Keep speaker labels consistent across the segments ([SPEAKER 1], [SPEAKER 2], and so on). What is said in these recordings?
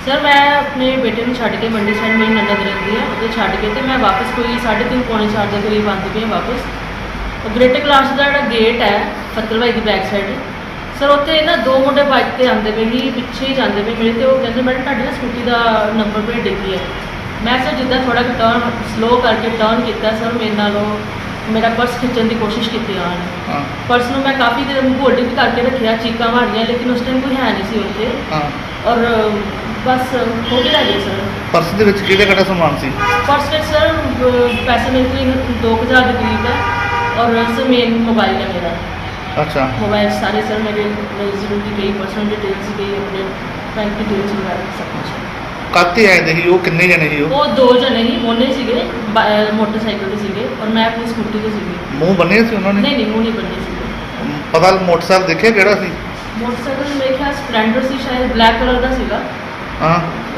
[SPEAKER 1] Sir मैं अपने बेटे को छड्ड के मंडी साइड मेरी ननद रहती है उधर छड्ड के तो मैं वापस कोई 3:30 पौने 4 के करीब आती पई वापस। ग्रेटर क्लास का जो गेट है फतलवाई की बैक साइड सर उत्थे ना 2 मुंडे बाइक पर आते पे ही पिछे ही जाते पे मेरे तो वो कहते मैडम तुहाडी ना स्कूटी का नंबर प्लेट डिग्गी है। मैं सर जिद्दां थोड़ा टर्न स्लो करके टर्न किया सर मेरे नालों मेरा पर्स खिंचन की कोशिश की आने पर्स में मैं काफ़ी देर होल्ड भी करके रखा चीका मारिया लेकिन उस टाइम कोई है नहीं सी उत्थे और बस हो गया जी सर।
[SPEAKER 2] पर्स ਦੇ ਵਿੱਚ ਕਿਹੜਾ ਸਮਾਨ ਸੀ?
[SPEAKER 1] पर्स में सर पैसे मेरे को 2000 के करीब है और सर मेन मोबाइल है मेरा।
[SPEAKER 2] अच्छा
[SPEAKER 1] मोबाइल सारे सर मेरे ज़रूरी गई पर्सनल डिटेल्स गई अपने बैंक डिटेल्स वगैरह सब कुछ।
[SPEAKER 2] ਕਾਤੇ ਆਏ ਦੇ ਸੀ ਉਹ ਕਿੰਨੇ ਜਣੇ ਸੀ
[SPEAKER 1] वो 2 जने ही मोने सीगे मोटरसाइकिल ते सीगे और मैं अपनी स्कूटी ते सीगी।
[SPEAKER 2] ਮੂੰਹ ਬੰਨੇ ਸੀ ਉਹਨਾਂ ਨੇ?
[SPEAKER 1] नहीं नहीं मुँह नहीं बनने सीगे।
[SPEAKER 2] ਪਤਾ ਮੋਟਰਸਾਈਕਲ ਦੇਖਿਆ ਕਿਹੜਾ ਸੀ?
[SPEAKER 1] मोटरसाइकिल मेरे ख्याल स्प्लेंडर सी शायद ब्लैक कलर का सीगा।
[SPEAKER 2] ਹਾਂ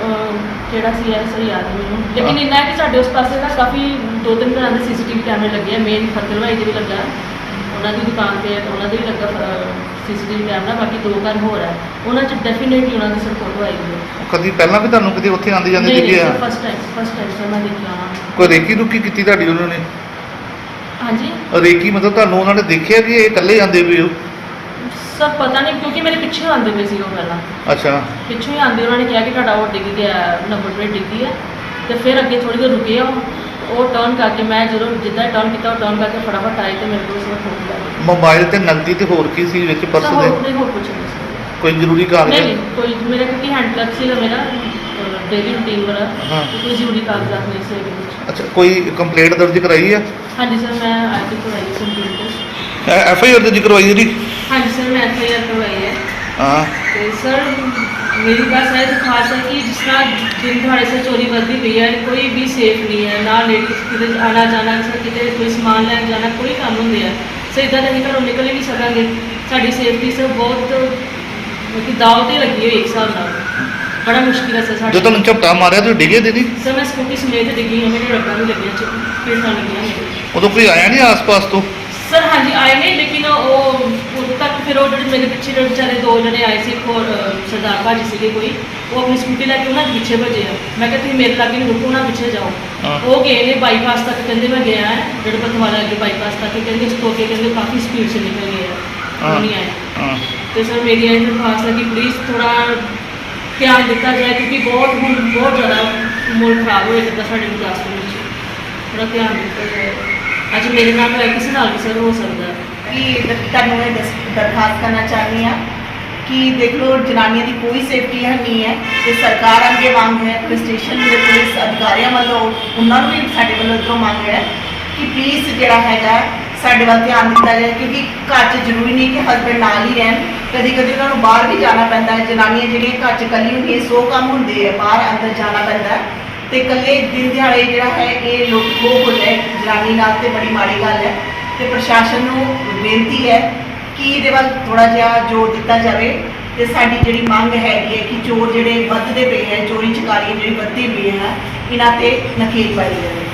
[SPEAKER 1] ਕਿਹੜਾ ਸੀ ਯਾਰ ਸਹੀ ਯਾਦ ਨਹੀਂ ਮੈਨੂੰ ਲੇਕਿਨ ਇੰਨਾ ਕਿ ਸਾਡੇ ਉਸ ਪਾਸੇ ਨਾ ਕਾਫੀ 2-3 ਤਰ੍ਹਾਂ ਦੇ ਸੀਸੀਟੀਵੀ ਕੈਮਰੇ ਲੱਗੇ ਆ ਮੇਨ ਫਤਲਵਾਈ ਦੇ ਵੀ ਲੱਗਾ ਉਹਨਾਂ ਦੀ ਦੁਕਾਨ ਤੇ ਉਹਨਾਂ ਦੇ ਵੀ ਲੱਗਾ ਸੀਸੀਟੀਵੀ ਕੈਮਰਾ ਬਾਕੀ 2 ਘਰ ਹੋਰ ਹੈ ਉਹਨਾਂ 'ਚ ਡੈਫੀਨੇਟਲੀ ਉਹਨਾਂ ਦੀ ਸਰ ਫੋਟੋ ਆਈ ਹੋਈ ਹੈ।
[SPEAKER 2] ਕਦੀ ਪਹਿਲਾਂ ਵੀ ਤੁਹਾਨੂੰ ਕਦੀ ਉੱਥੇ ਆਉਂਦੇ ਜਾਂਦੇ ਦਿਖੇ ਆ?
[SPEAKER 1] ਫਸਟ ਟਾਈਮ ਸਰ ਮੈਂ ਦੇਖਿਆ ਹਾਂ।
[SPEAKER 2] ਕੋਈ ਰੇਕੀ ਰੁਕੀ ਕੀਤੀ ਤੁਹਾਡੀ ਉਹਨਾਂ ਨੇ?
[SPEAKER 1] ਹਾਂਜੀ
[SPEAKER 2] ਰੇਕੀ ਮਤਲਬ ਤੁਹਾਨੂੰ ਉਹਨਾਂ ਨੇ ਦੇਖਿਆ ਕਿ ਇਹ ਇਕੱਲੇ ਜਾਂਦੇ ਵੀ ਹੋ?
[SPEAKER 1] ਸਰ ਪਤਾ ਨਹੀਂ ਕਿਉਂਕਿ ਮੇਰੇ ਪਿੱਛੇ ਆਉਂਦੇ ਪਏ ਸੀ ਉਹ ਪਹਿਲਾਂ
[SPEAKER 2] ਅੱਛਾ
[SPEAKER 1] ਪਿੱਛੋਂ ਹੀ ਆਉਂਦੇ ਉਹਨਾਂ ਨੇ ਕਿਹਾ ਕਿ ਤੁਹਾਡਾ ਉਹ ਡਿੱਗ ਗਿਆ ਨੰਬਰ ਪਲੇਟ ਡਿੱਗੀ ਹੈ ਤੇ ਫਿਰ ਅੱਗੇ ਥੋੜੀ ਦੇਰ ਰੁਕੇ ਉਹ ਟਰਨ ਕਰਕੇ ਮੈਂ ਜਦੋਂ ਜਿੱਦਾਂ ਟਰਨ ਕੀਤਾ ਉਹ ਟਰਨ ਕਰਕੇ ਫਟਾਫਟ ਆਏ ਤੇ ਮੇਰੇ ਕੋਲ ਸਭ ਫੋਨ ਲੱਗ
[SPEAKER 2] ਮੋਬਾਈਲ ਤੇ ਨਕਦੀ ਤੇ ਹੋਰ ਕੀ ਸੀ ਵਿੱਚ ਪਰਸ ਦੇ?
[SPEAKER 1] ਹੋਰ ਕੁਝ ਨਹੀਂ ਸੀ।
[SPEAKER 2] ਕੋਈ ਜ਼ਰੂਰੀ ਕਾਗਜ਼?
[SPEAKER 1] ਨਹੀਂ ਕੋਈ ਮੇਰਾ ਕਿਉਂਕਿ ਹੈਂਡ ਕਲੱਬ ਸੀਗਾ ਮੇਰਾ ਡੇਲੀ ਰੂਟੀਨ ਵਾਲਾ
[SPEAKER 2] ਹਾਂ
[SPEAKER 1] ਕੋਈ ਜ਼ਰੂਰੀ ਕਾਗਜ਼ਾਤ ਨਹੀਂ ਸੀ ਇਹਦੇ ਵਿੱਚ।
[SPEAKER 2] ਅੱਛਾ ਕੋਈ ਕੰਪਲੇਂਟ ਦਰਜ ਕਰਾਈ ਆ?
[SPEAKER 1] ਹਾਂਜੀ ਸਰ ਮੈਂ ਆਈਟੀ ਕਰਵਾਈ ਕੰਪਿਊਟਰ।
[SPEAKER 2] ਐਫ ਆਈ ਆਰ ਦਰਜ ਕਰਵਾਈ ਜੀ?
[SPEAKER 1] ਹਾਂਜੀ ਸਰ ਮੈਂ FIR ਕਰਵਾਈ ਹੈ।
[SPEAKER 2] ਹਾਂ
[SPEAKER 1] ਤੇ ਸਰ मेरी बस है तो खास है कि जिस तरह दिन दिहाड़े से चोरी बढ़ती पई है कोई भी सेफ नहीं है ना लेडीज किते आना जाना किते कोई समान लैन जाना कोई काम होंगे है सो इदा तो घरों निकल ही नहीं सकेंगे साड़ी सेफ्टी से बहुत दाव ते लगी हुई एक हिसाब नाल बड़ा मुश्किल है सर।
[SPEAKER 2] जो तुम झपटा मारिया तो डिगे दीदी?
[SPEAKER 1] सर मैं स्कूटी समेत डिगी हूँ मेरे रब्बा भी लगे पेटा लगी
[SPEAKER 2] उदों कोई आया नहीं आस पास तो?
[SPEAKER 1] सर हाँ जी आए नहीं लेकिन उदों तक फिर वो मेरे पिछे बेचारे 2 जने आए थे एक और सरदार भाजी से कोई वो अपनी स्कूटी लैके उन्होंने पिछे भजे है मैं कहती मेरे लागे नहीं रुको ना पिछे जाओ वो गए ने बाईपास तक कहते मैं गया है जेडे बतवाला अगे बाईपास तक कहते तो के कहते काफ़ी स्पीड से निकल गए हैं वो नहीं आए। तो सर मेरी यही दरखास्त है कि प्लीज़ थोड़ा ध्यान दिता जाए क्योंकि बहुत ज़्यादा मुल्क खराब हो जाता साढ़े गुरदासपुर में थोड़ा ध्यान दिता जाए। अच्छा मेरे नाल होया किसी नाल भी सर हो सकता है
[SPEAKER 3] कि तुहानूं ये दरखास्त करना चाहती हाँ कि देख लो जनानियों की कोई सेफ्टी है नहीं है तो सरकार अगे मांग है पुलिस स्टेशन के पुलिस अधिकारियों वालों उन्होंने भी साडे वालों इधरों मांग है कि प्लीज़ जिहड़ा हैगा साडे वाल ध्यान दिता जाए क्योंकि घर च जरूरी नहीं कि हसबैंड नाल ही रहन कभी कभी उन्होंने बाहर भी जाना पैंदा है जनानियां जिहड़ियां घर च कल्ली होंदियां 100 काम हुंदे है बाहर अंदर जाना पैंदा है तो कल्ले दिन दिहाड़े जिहड़ा है ये लोग खो हो जाए जनानी नाल ते बड़ी माड़ी गल है तो प्रशासन नूं बेनती है कि ये वाल थोड़ा जिहा जोर दिता जाए तो साडी जिहड़ी मंग हैगी है कि चोर जिहड़े वधदे पे हैं चोरी चकारियां जिहड़ी वधदी पई है इन्हां ते नकेल पाई जाए।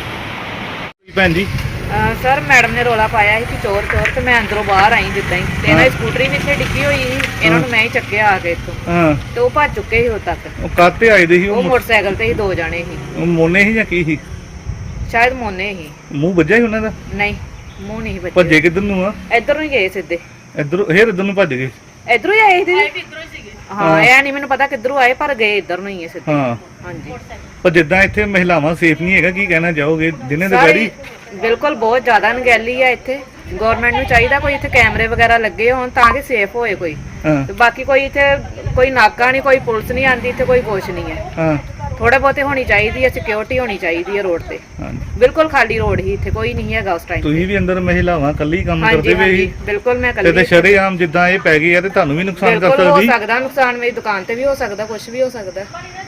[SPEAKER 2] भैन जी
[SPEAKER 4] सर मैडम ने रौला पाया कि चोर चोर तो मैं अंदरों बाहर आई जिदा ही तो इन्होंने स्कूटरी भी इतने डिग्गी हुई थी इन्होंने मैं ही चक्या आके इतों तो वो भज चुके ही उद तक।
[SPEAKER 2] काते आए दे?
[SPEAKER 4] वो मोटरसाइकिल ते ही 2 जने ही।
[SPEAKER 2] मोने ही या की ही?
[SPEAKER 4] शायद मोने ही।
[SPEAKER 2] मुंह ਵੱਜਿਆ ਹੀ ਉਹਨਾਂ ਦਾ?
[SPEAKER 4] नहीं मुंह नहीं बचे।
[SPEAKER 2] ਭੱਜੇ ਕਿੱਧਰ ਨੂੰ ਆ?
[SPEAKER 4] इधर ही गए सीधे
[SPEAKER 2] ਇੱਧਰ ਫੇਰ ਇੱਧਰ ਨੂੰ ਭੱਜ ਗਏ?
[SPEAKER 4] इधरों ही आए थे हाँ यह नहीं मैंने पता किधरों आए पर गए इधर ਨੂੰ ही है सीधे।
[SPEAKER 2] ਹਾਂ
[SPEAKER 4] हाँ जी
[SPEAKER 2] ਪਰ ਜਿੱਦਾਂ ਇੱਥੇ ਮਹਿਲਾਵਾਂ ਸੇਫ ਨਹੀਂ ਹੈਗਾ ਕੀ ਕਹਿਣਾ ਚਾਹੋਗੇ ਦਿਨੇ ਦੁਪਹਿਰੀ?
[SPEAKER 4] ਬਿਲਕੁਲ ਬਹੁਤ ਜ਼ਿਆਦਾ ਅਣਗਹਿਲੀ ਆ ਇੱਥੇ ਗਵਰਨਮੈਂਟ ਨੂੰ ਚਾਹੀਦਾ ਕੋਈ ਇੱਥੇ ਕੈਮਰੇ ਵਗੈਰਾ ਲੱਗੇ ਹੋਣ ਤਾਂ ਕਿ ਸੇਫ ਹੋਏ ਕੋਈ ਤੇ ਬਾਕੀ ਕੋਈ ਇੱਥੇ ਕੋਈ ਨਾਕਾ ਨਹੀਂ ਕੋਈ ਪੁਲਿਸ ਨਹੀਂ ਆਂਦੀ ਇੱਥੇ ਕੋਈ ਕੁਛ ਨਹੀਂ ਹੈ।
[SPEAKER 2] ਹਾਂ
[SPEAKER 4] ਥੋੜਾ ਬਹੁਤੇ ਹੋਣੀ ਚਾਹੀਦੀ ਹੈ ਸਿਕਿਉਰਿਟੀ ਹੋਣੀ ਚਾਹੀਦੀ ਹੈ ਰੋਡ ਤੇ ਬਿਲਕੁਲ ਖਾਲੀ ਰੋਡ ਹੀ ਇੱਥੇ ਕੋਈ ਨਹੀਂ ਹੈਗਾ ਉਸ ਟਾਈਮ।
[SPEAKER 2] ਤੁਸੀਂ ਵੀ ਅੰਦਰ ਮਹਿਲਾਵਾਂ ਕੱਲੀ ਕੰਮ ਕਰਦੇ ਵੇ ਹੀ?
[SPEAKER 4] ਬਿਲਕੁਲ ਮੈਂ ਕੱਲੀ
[SPEAKER 2] ਤੇ ਸ਼ਰੇਆਮ ਜਿੱਦਾਂ ਇਹ ਪੈ ਗਈ ਆ ਤੇ ਤੁਹਾਨੂੰ ਵੀ ਨੁਕਸਾਨ ਕਰ ਸਕਦੀ?
[SPEAKER 4] ਹੋ ਸਕਦਾ ਨੁਕਸਾਨ ਮੇਰੀ ਦੁਕਾਨ ਤੇ ਵੀ ਹੋ ਸਕਦਾ ਕੁਝ ਵੀ ਹੋ ਸਕਦਾ।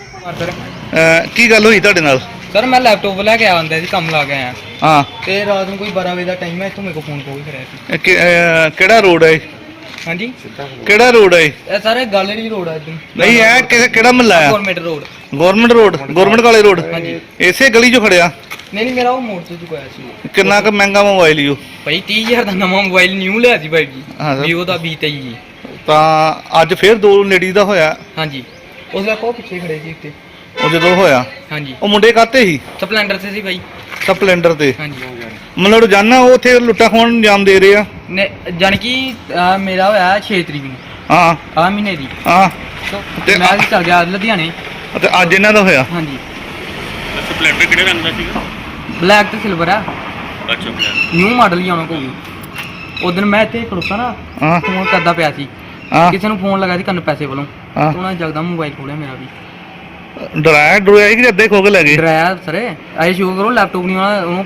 [SPEAKER 2] ਕੀ ਗੱਲ ਹੋਈ ਤੁਹਾਡੇ ਨਾਲ?
[SPEAKER 5] सर मैं लैपटॉप लैके आया अंदर कम ला के आया
[SPEAKER 2] हाँ
[SPEAKER 5] ते रात में कोई 12 बजे का टाइम है इतों मेरे को फोन कोई कराया सी।
[SPEAKER 2] ਕਿਹੜਾ ਰੋਡ ਹੈ?
[SPEAKER 5] हाँ जी
[SPEAKER 2] ਕਿਹੜਾ ਰੋਡ ਹੈ?
[SPEAKER 5] ये सारे गैलरी रोड है एकदम
[SPEAKER 2] ਨਹੀਂ ਇਹ ਕਿਹੜਾ ਮਹੱਲਾ ਹੈ?
[SPEAKER 5] Government road
[SPEAKER 2] government road government ਕਾਲੇ ਰੋਡ?
[SPEAKER 5] ਹਾਂਜੀ
[SPEAKER 2] ਇਸੇ ਗਲੀ 'ਚੋਂ ਖੜਿਆ?
[SPEAKER 5] नहीं नहीं मेरा वो मोड़ तो चुका है
[SPEAKER 2] ਕਿੰਨਾ ਕੁ ਮਹਿੰਗਾ ਮੋਬਾਈਲ ਈ ਉਹ?
[SPEAKER 5] भाई 30,000 का नवा मोबाइल न्यू लिया सी भाई जी
[SPEAKER 2] हाँ सर।
[SPEAKER 5] वीवो का V23 जी।
[SPEAKER 2] ਤਾਂ ਅੱਜ ਫੇਰ 2 ਲੇਡੀਜ਼ ਦਾ ਹੋਇਆ?
[SPEAKER 5] हाँ जी ਉਸ ਵੇਲੇ ਕੋ ਪਿੱਛੇ ਖੜੇ ਸੀ ਇੱਥੇ।
[SPEAKER 2] ਉਹ ਜਦੋਂ ਹੋਇਆ
[SPEAKER 5] ਹਾਂਜੀ
[SPEAKER 2] ਉਹ ਮੁੰਡੇ ਕਾਤੇ ਸੀ
[SPEAKER 5] ਸਪਲੈਂਡਰ ਤੇ ਸੀ ਬਾਈ।
[SPEAKER 2] ਸਪਲੈਂਡਰ ਤੇ
[SPEAKER 5] ਹਾਂਜੀ
[SPEAKER 2] ਮਤਲਬ ਰੋਜ਼ਾਨਾ ਉਹ ਉੱਥੇ ਲੁੱਟਾਂ ਖੋਣ ਨੂੰ ਅੰਜਾਮ ਦੇ ਰਹੇ ਆ।
[SPEAKER 5] ਨੇ ਜਾਣੀ ਕਿ ਮੇਰਾ ਹੋਇਆ 6 ਤਰੀਕ ਨੂੰ
[SPEAKER 2] ਹਾਂ
[SPEAKER 5] ਆ ਮਹੀਨੇ ਦੀ।
[SPEAKER 2] ਹਾਂ
[SPEAKER 5] ਤੇ ਮੈਂ ਵੀ ਚੱਲ ਗਿਆ ਲੁਧਿਆਣੇ।
[SPEAKER 2] ਤੇ ਅੱਜ ਇਹਨਾਂ ਦਾ ਹੋਇਆ।
[SPEAKER 5] ਹਾਂਜੀ
[SPEAKER 2] ਸਪਲੈਂਡਰ ਕਿਹੜੇ ਰੰਗ ਦਾ ਸੀਗਾ?
[SPEAKER 5] ਬਲੈਕ ਤੇ ਸਿਲਵਰ ਆ।
[SPEAKER 2] ਅੱਛਾ
[SPEAKER 5] ਨਿਊ ਮਾਡਲ ਹੀ ਆਉਣਾ ਕੋਈ। ਉਦੋਂ ਮੈਂ ਇੱਥੇ ਖੜੋਤਾ ਨਾ
[SPEAKER 2] ਹਾਂ
[SPEAKER 5] ਫੋਨ ਕਰਦਾ ਪਿਆ ਸੀ।
[SPEAKER 2] ਹਾਂ
[SPEAKER 5] ਕਿਸੇ ਨੂੰ ਫੋਨ ਲਗਾ ਸੀ ਕੰਨ ਪੈਸੇ ਵੱਲੋਂ।
[SPEAKER 2] ਹਾਂ
[SPEAKER 5] ਉਹਨਾਂ ਨੇ ਜਗਦਾ ਮੋਬਾਈਲ ਖੋਲਿਆ ਮੇਰਾ ਵੀ।
[SPEAKER 2] ਡਰਾਇਆ ਕਿ ਅੱਧੇ ਖੋ ਕੇ ਲੈ ਗਏ?
[SPEAKER 5] ਡਰਾਇਆ ਸਰ ਇਹ ਸ਼ੋਅ ਕਰੋ ਲੈਪਟਾਪ ਨਹੀਂ ਆਉਣਾ ਉਹਨੂੰ